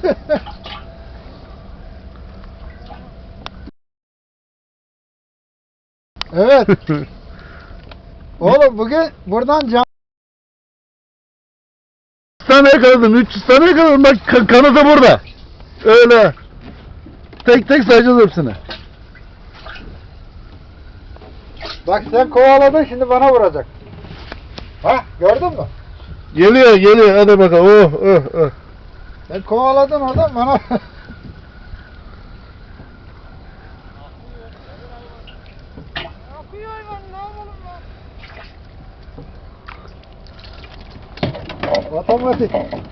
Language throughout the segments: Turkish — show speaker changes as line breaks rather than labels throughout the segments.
Evet. Oğlum bugün buradan
300 tane yakaladım, 300 tane yakaladım. Bak kanıtı burada. Öyle. Tek tek sayacağız hepsini.
Bak sen kovaladın, şimdi bana vuracak. Ha, gördün mü?
Geliyor geliyor, hadi bakalım. Oh oh oh.
Sen kovaladın oradan bana.
Akıyor hayvan, ne yapalım ya?
Otomatik.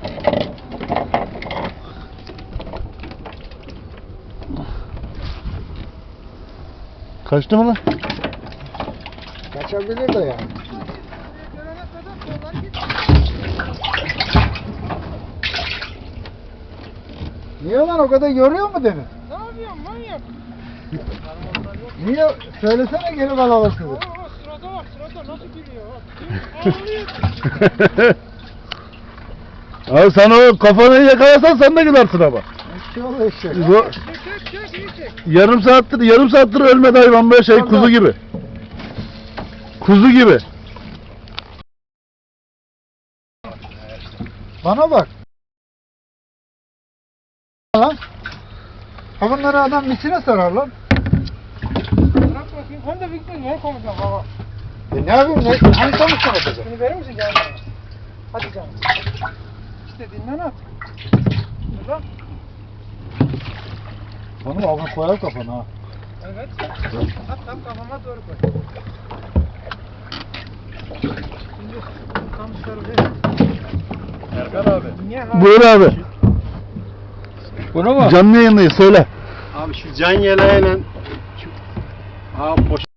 Kaçtı mı lan?
Kaçabilir de yani.
Gelene kadar kollar gitti.
Niye lan, o kadar yoruyor mu deniz?
Ne yapıyorsun manyak?
Niye? Söylesene geri alalım sizi.
Oo, sırada bak, sırada nasıl gülüyor bak. Ağlıyor.
Abi sen o kafanı yakalasan sen de gidersin ama.
Eşek ol eşek.
Çek, iyi çek.
Yarım saattir ölmedi hayvan, böyle şey, kuzu gibi. Kuzu gibi.
Bana bak. Lan. Ha bunları adam içine sarar lan.
Bırak bakayım. Hem de Victor ne konuşacağım baba?
Ne yapayım? Hangi konuşma yapacağım?
Bunu verir misin canım? Hadi canım. İstediğinden at. Dur lan.
Onu alın koyar kafana ha.
Evet. At tam kafama doğru koy. Şimdi tam sarılıyor.
Erkan abi.
Niye ha?
Buyur abi.
Bunu mu?
Canlı yayındayız, söyle.
Abi şu can yeleğiyle şu poşet